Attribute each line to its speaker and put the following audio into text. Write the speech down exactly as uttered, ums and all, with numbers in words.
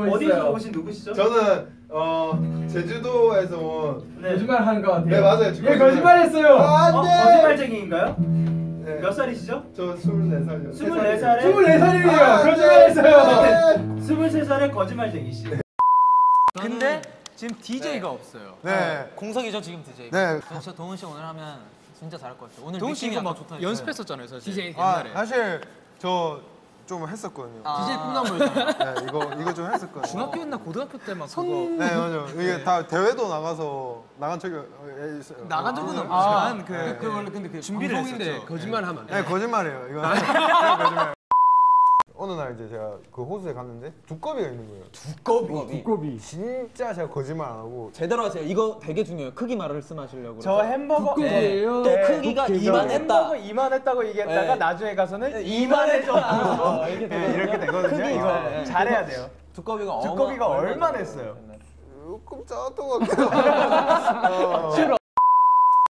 Speaker 1: 알고
Speaker 2: 어디서
Speaker 1: 있어요.
Speaker 2: 오신 누구시죠?
Speaker 3: 저는 어 제주도에서 온.
Speaker 2: 네.
Speaker 1: 거짓말 하는 것 같아요.
Speaker 3: 네 맞아요.
Speaker 1: 예, 거짓말했어요.
Speaker 3: 아,
Speaker 2: 어,
Speaker 3: 안돼.
Speaker 2: 거짓말쟁이인가요?
Speaker 3: 네.
Speaker 2: 몇 살이시죠?
Speaker 3: 저 스물네 살이요.
Speaker 2: 스물네 살에
Speaker 1: 스물네 살이에요.
Speaker 3: 아,
Speaker 1: 거짓말했어요.
Speaker 2: 스물세 살에 거짓말쟁이씨.
Speaker 4: 근데 지금 디제이가 없어요.
Speaker 3: 네.
Speaker 5: 공석이죠 지금 디제이.
Speaker 3: 네.
Speaker 5: 진짜 동훈 씨 오늘 하면 진짜 잘할 것 같아요. 오늘
Speaker 4: 동훈 씨
Speaker 5: 느낌이
Speaker 4: 이거
Speaker 5: 약간
Speaker 4: 막
Speaker 5: 좋다.
Speaker 4: 연습했었잖아요, 사실.
Speaker 5: 디제이
Speaker 3: 아
Speaker 4: 옛날에.
Speaker 3: 사실 저 좀 했었거든요.
Speaker 4: 디제이 꿈나무였잖아요.
Speaker 3: 네 이거 이거 좀 했었거든요.
Speaker 4: 중학교였나 고등학교 때 막 그거
Speaker 3: 네 맞아요. 이게 다 대회도 나가서 나간 적이 있어요.
Speaker 4: 나간 적은
Speaker 1: 아,
Speaker 4: 없지만 그,
Speaker 3: 네.
Speaker 4: 그 원래 근데 그
Speaker 5: 준비를
Speaker 4: 방송인데
Speaker 5: 했었죠.
Speaker 4: 거짓말하면 안 돼.
Speaker 3: 네 거짓말이에요. 이거 거짓말. 어느 날 이제 제가 그 호수에 갔는데 두꺼비가 있는 거예요.
Speaker 5: 두꺼비.
Speaker 1: 두꺼비.
Speaker 3: 진짜 제가 거짓말 안 하고
Speaker 5: 제대로 하세요. 이거 되게 중요해요. 크기 말씀하시려고.
Speaker 2: 저 햄버거
Speaker 1: 두꺼비예요.
Speaker 5: 또
Speaker 2: 네.
Speaker 5: 크기가
Speaker 1: 두께가.
Speaker 5: 이만했다.
Speaker 2: 햄버거 이만했다고 얘기했다가
Speaker 5: 네.
Speaker 2: 나중에 가서는 이만해졌다.
Speaker 5: 이렇게
Speaker 3: 네, 이렇게 되거든요.
Speaker 5: 크기
Speaker 2: 이거
Speaker 5: 네.
Speaker 2: 잘해야 돼요.
Speaker 5: 두꺼비가
Speaker 2: 두꺼비가
Speaker 5: 어마-
Speaker 2: 얼마나 했어요?
Speaker 3: 조금 작았던 것 같기도 하고.